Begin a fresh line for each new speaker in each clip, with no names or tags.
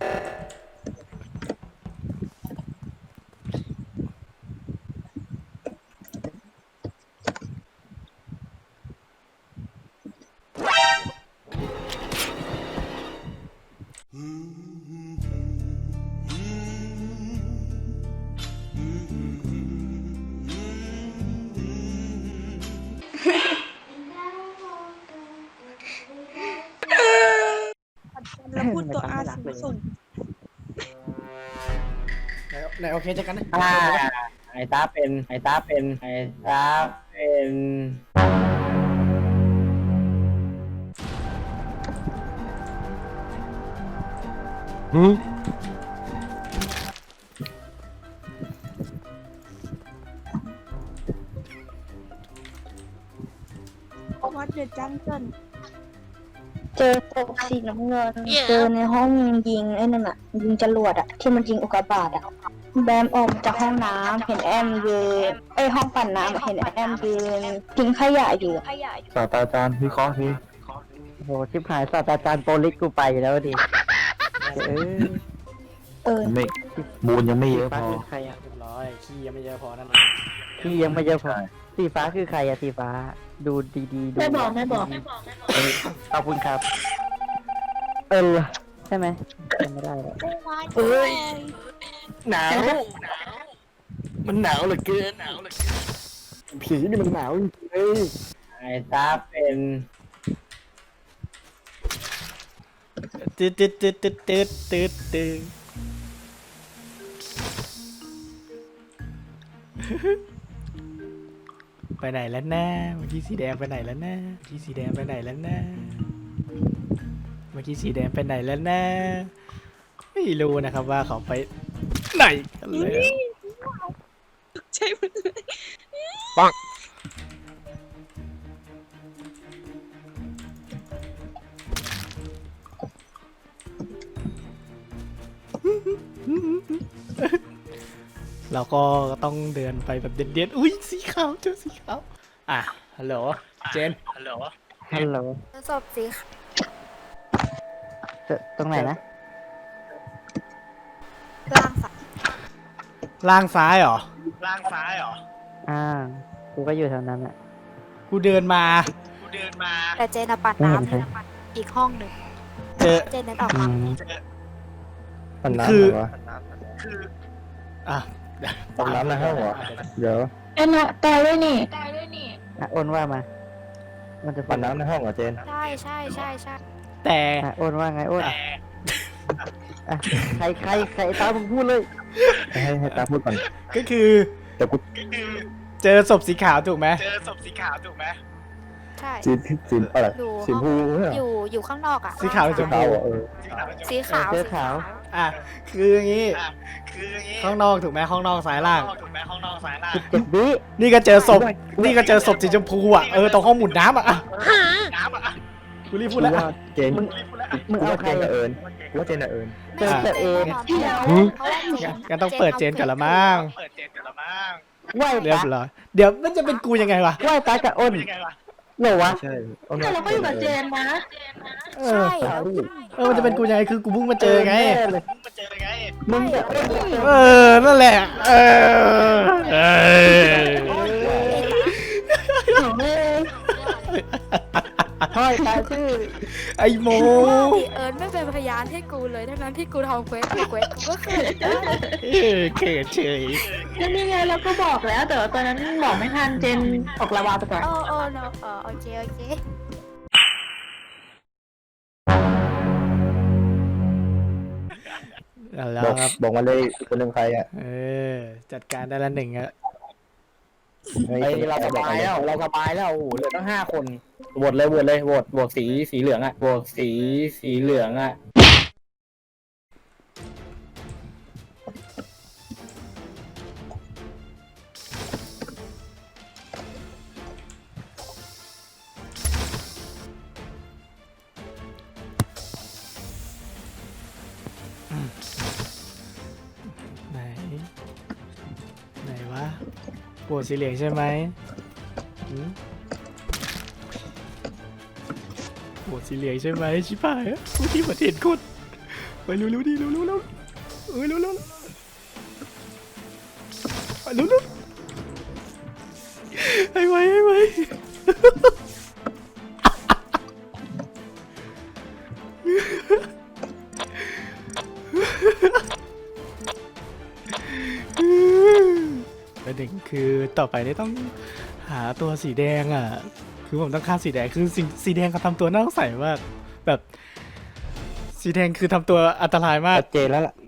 แล้วพูดตัวอาส่ง
ไหนโอเคเจอกันนะ
ไอ้ตาเป็น
วัดเดือดจังเกิน
เจอศพสีน้ำเงินเจอในห้องยิงไอ้นั่นอะยิงจรวดอะที่มันยิงอุกกาบาตอะแบมออกจากห้องน้ำเห็นแอมยืนห้องปั่นน้ำเห็นแอมยืนทิ้งขยะอยู่
ศาสตราจารย์วิเคราะห์สิ
โหชิบหายศาสตราจารย์โปลิสกูไปแล้วดิ
ไม่บูนยังไม่เยอะพ
ฟ้า
อ
คือใครอะ
เรียบร้อยขี้ยังไม่เยอะพอนั่นเอง
ที่ยังไม่เยอะพอสีฟ้าคือใครอะสีฟ้าดูดีๆดู
ไม่บอก
ขอบคุณครับใช่ไหมจำไม่ได้แล้ว
เอ้ย
หนาวมันหนาวเหลือเกินผีนี่มันหนาวจริงๆเลย
ไอ้ตาเป็น
ตืดไปไหนแล้วนะเมื่อกี้สีแดงไปไหนแล้วนะเมื่อกี้สีแดงไปไหนแล้วนะไม่รู้นะครับว่าเขาไปไหนกันเลย
ใช่ไหม
เราก็ต้องเดินไปแบบเด่นๆอุ้ยสีขาวเจอสีขาวอ่ะฮัลโหลเจน
ฮัลโหล
ศพสี
ตรงไหนนะ
ล่างสัก
ล่างซ้ายเหรอ
กูก็อยู่แถวนั้นแหละ
กูเดินมา
แต่เจนปั่นน้ำอีกห้องหนึ่ง
เจอ
เจนนั้นออกมา
ปั่นน้ำ
คือ
เหรอ
อ่ะ
ปั่นน้ำในห้องเหรอเดี๋ยว
น่ะตายด้วยนี่
อ้นว่ามามันจะ
ปั่นน้ำในห้องเหรอเจน
ใช่
แต่
อ้นว่าไงอ้นใครตามมึงพูดเลย
ให้ตาพูดก่อน
ก็คือ
เดี๋ยวกู
เจอศพสีขาวถูกไหม
ใช่
สีอะไร
อยู่
สีพูเนี่ย
อยู่ข้างนอกอ่ะ
สีขาวหรือชม
ขา
พู
วเหรอ
สีขาว
เสื้อขาว
อ่ะคืออย่างงี้ข้างนอกถูกไหมข้างนอกซ้ายล่าง
17 วิ
นี่ก็เจอศพสีชมพูอ่ะตรงห้องหมุนน้ำอ่ะกูรีบพูดแล้ว
ว่าเจน
มึงเอาใคร
เจนกับเอิญว่าเจนกับเอิญ
เจนเอง
งั้นต้องเปิดเจนก่อนละมั้ง
ไหว
เรียบ
ตา
ร้อยเดี๋ยวมันจะเป็นกูยังไงวะ
ไหวตากับอ้นเหรอวะ
ใช่
แต่เราก็อยู่กับเจนนะ
เอ
ใช่
อมันจะเป็นกูยังไงคือกูเพิ่งมาเจอไง
มึงจะอ้น
นั่นแหละ
ห้อยตาชื่อ
ไอ้โม
พี่เอิญไม่เป็นพยานให้กูเลยทั้งนั้นที่กูทำเควสกูก็เคยได้
เขินเฉย
ก็นี่ไงเราก็บอกแล้วแต่ว่าตอนนั้นบอกไม่ทันเจนออกระวาไปก่อนโอเค
แล้ว
บอก
ครับ
บอกมาเลยคนหนึ่งใครอ่ะ
จัดการได้ละหนึ่งอะ
เราสบายแล้วโอ้โหเหลือตั้ง5 คนโหวตเลยโหวตสีเหลืองอ่ะโหวตสีเหลืองอ่ะ
ไหนวะโหวตสีเหลืองใช่ไหมโหวตสีเหลืองใช่ไหมชิบหายกูที่ประเทศคนไปเร็วๆดิเร็วๆเร็วเร็วๆไปเร็วๆให้ไวประเด็นคือต่อไปนี่ต้องหาตัวสีแดงอ่ะคือผมต้องฆ่าสีแดงคือสีแดงเขาทำตัวน่าสงสัยมากแบบสีแดงคือทำตัวอันตรายมาก
ชัดเจนแล้วล่ะ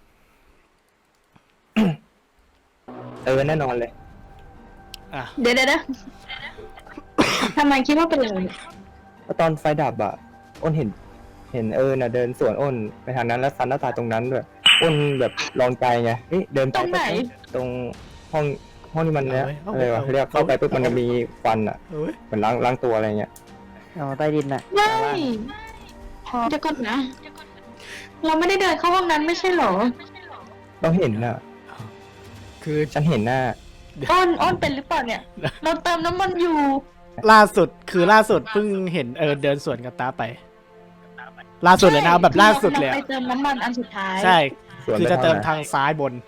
แน่นอนเลย
อ่ะ
เดี๋ยวทำไมคิดว่าเป็นอะไร
เพราะตอนไฟดับอะอ้นเห็นน่ะเดินสวนอ้นไปทางนั้นแล้วซันหน้าตาตรงนั้นด้วยอ้นแบบลองใจไงเดินไปตรงห้องที่มันเนี้ยอะไรวะเรียกเข้าไปปุ๊บมันจะมีควันอะ
เอ้ย
เหมือนล้างตัวอะไรเงี้ย
อ๋อใต้ดินน่ะ
ไม่เดี๋ยวก่อนนะ เราไม่ได้เดินเข้าห้องนั้นไม่ใช่เหรอ
เราเห็นน่ะ
คือ
ฉันเห็นหน้า
อ้อนเป็นหรือเปล่าเนี่ย เราเติมน้ำมันอยู่
ล่าสุดเพิ่งเห็นเดินสวนกับตาไป ล่าสุดเลยนะแบบล่าสุดเลย
ไป
อะ
เติมน้ำมันอันสุดท้าย
ใช่
สวนไป
คือจะเติมทางซ้ายบน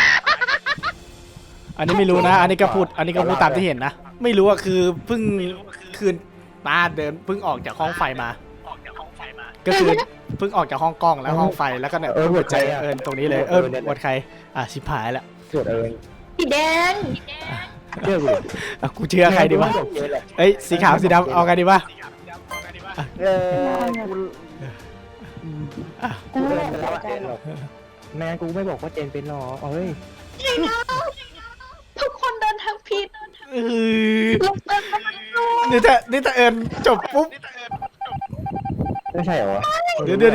อันนี้ไม่รู้นะ อันนี้ก็พูดตามที่เห็นนะ ไม่รู้อะคือเพิ่งคืนตาเดินเพิ่งออกจากห้องไฟมา ก็คือเพิ่งออกจากห้องกล้องแล้วห้องไฟแล้วก็เนี่ย
หัวใจอะ
ตรงนี้เลยบทใครชิบหายแล้ว
สวด
สีแดง
เชื่อกูดิ
กูเชื่อใครดีวะเอ้ยสีขาวสีดำเอาไงดีวะ
กูเดินไปแล้วเจนหรอกแม่งั้นกูไม่บอกว่าเจนเป็นหรอกเฮ้ย
ทุกคนเดินทางผิด
เออ
ลงเติมน้ำมันอยู่
นี่ถ้าจบปุ๊บ
ไม่ใช่เหรอวะ
เดี๋ยว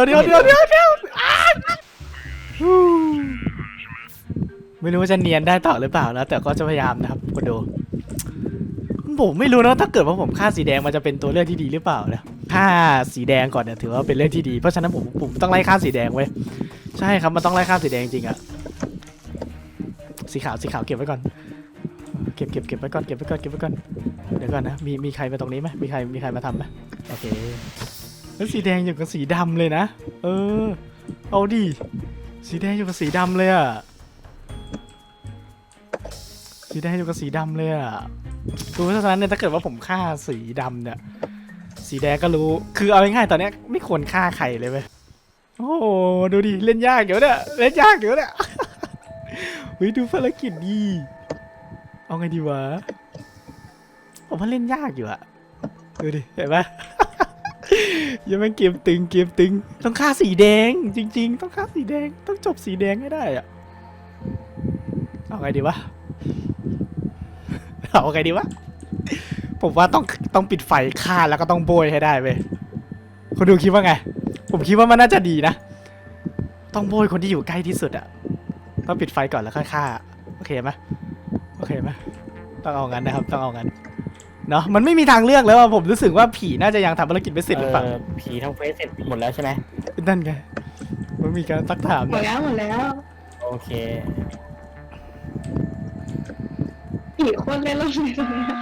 ไม่รู้ว่าจะเนียนได้ต่อหรือเปล่านะแต่ก็จะพยายามนะครับคนดูผมไม่รู้นะถ้าเกิดว่าผมฆ่าสีแดงมันจะเป็นตัวเลือกที่ดีหรือเปล่านะฆ่าสีแดงก่อนเนี่ยถือว่าเป็นเรื่องที่ดีเพราะฉะนั้นผมต้องไล่ฆ่าสีแดงไว้ใช่ครับมันต้องไล่ฆ่าสีแดงจริงอะสีขาวเก็บไว้ก่อนเก็บไว้ก่อนเดี๋ยวก่อนนะมีใครมาตรงนี้ไหมมีใครมาทำไหมโอเคแล้วสีแดงอยู่กับสีดำเลยนะเอาดิสีแดงอยู่กับสีดำเลยอะสีแดงอยู่กับสีดำเลยอะคือเพราะฉะนั้นเนี่ยถ้าเกิดว่าผมฆ่าสีดำเนี่ยสีแดงก็รู้คือเอาง่ายๆตอนเนี้ยไม่ควรฆ่าใครเลยเว้ยโอ้โหดูดิเล่นยากเดี๋ยวเนี่ยเฮ้ยดูภารกิจดีเอาไงดีวะผมว่าเล่นยากอยู่อะดูดิเห็นปะ ยังไม่เกมตึงต้องฆ่าสีแดงจริงๆต้องฆ่าสีแดงต้องจบสีแดงให้ได้อะเอาไงดีวะ เอาไงดีวะผมว่าต้องปิดไฟฆ่าแล้วก็ต้องโบยให้ได้เว้ยคนดูคิดว่าไงผมคิดว่ามันน่าจะดีนะต้องโบยคนที่อยู่ใกล้ที่สุดอะต้องปิดไฟก่อนแล้วค่อยฆ่าโอเคไหมต้องเอางั้นนะครับต้องเอางั้นเนาะมันไม่มีทางเลือกแล้วอะผมรู้สึกว่าผีน่าจะยังทำภารกิจไม่เสร็จหรือเปล่า
ผีทำเฟซเสร็จหมดแล้วใช่ไหม
นั่นไงมันมีการซักถาม
หมดแล้ว
โอเค
ผีโคนเล่นรอบเลยตรงเนี้ย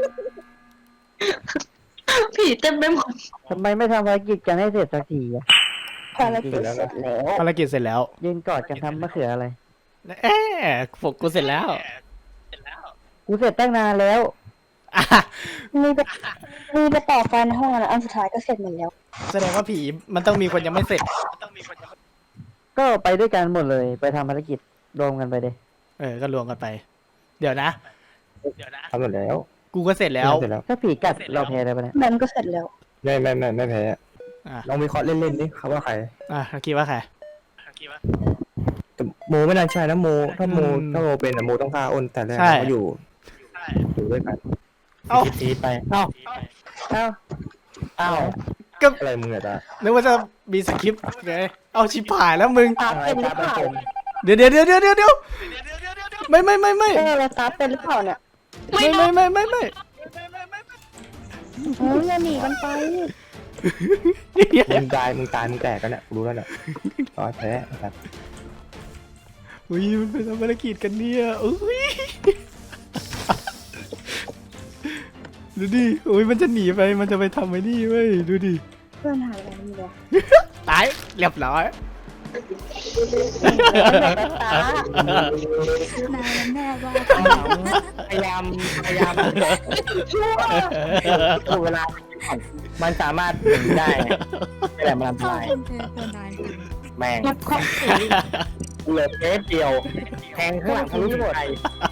ผีเต็มไปหมด
ทำไมไม่ทำภารกิจกันให้เสร็จสักทีอะ
ภารกิจเสร็จแล้ว
ภารกิจเสร็จแล้ว
ยืนกอดกันทำมะเขืออะไร
ผมกูเสร็จแล้ว
กูเสร็จตั้งนานแล้ว
อ่ะ
มีไปต่อไฟในห้องแล้วอันสุดท้ายก็เสร็จหมดแล้ว
แสดงว่าผีมันต้องมีคนยังไม่เสร็จ
ก็ไปด้วยกันหมดเลยไปทำภารกิจรวมกันไปเลย
ก็รวมกันไป เดี๋ยวนะ
ทำหมดแล้ว
กูก็เสร็จแล้ว
เสร็จแล้ว
ถ้าผีกัดเราแพ้ได้ปะเนี่ย
แบมก็เสร็จแล้ว
ไม่แพ้
อ่ะ
ลองวิเคราะห์เล่นๆดิครับว่าใคร
คิดว่าใคร
แต่โมไม่น่าใช่นะโมถ้าโม
อืม
เป็นอะโมต้องฆ่าอ้นแต่แรก
ใช่
เขาอยู่ด้วยกัน
เอ้า
ซีดไป
เอ้า
ก็
อะไรมึงอะตา
นึกว่าจะมีสคริปต์ไงเอาชิบหายแล้วมึง
ตาเป็นหรือเปล่า
เดี๋ยวไม่
เราตาเป็นหรือเปล่าเนี่ย
ไม่
โอ้ยอย่าหนีกันไป
มึงตายมึงแตกกันเนี่ยรู้แล้วเนี่ยต่อแพ้ครับ
อุ้ยมันเป็นภารกิจกันเนี่ยอุ้ยดูดิอุ้ยมันจะหนีไปมันจะไปทำไอ้นี่เว้ยดูดิ
เพื่อนหายไปไหนหมดแล้ว
ตายเรียบร้อย
นายมันแน่ว่า
พยายามดูเวลามันสามารถหนีได้ไงแต่มันอันต
เข้าร
าย
เป็นตัวนาย
แม่งเหลือเทปเดียวแทงข้างหลังทะลุหมด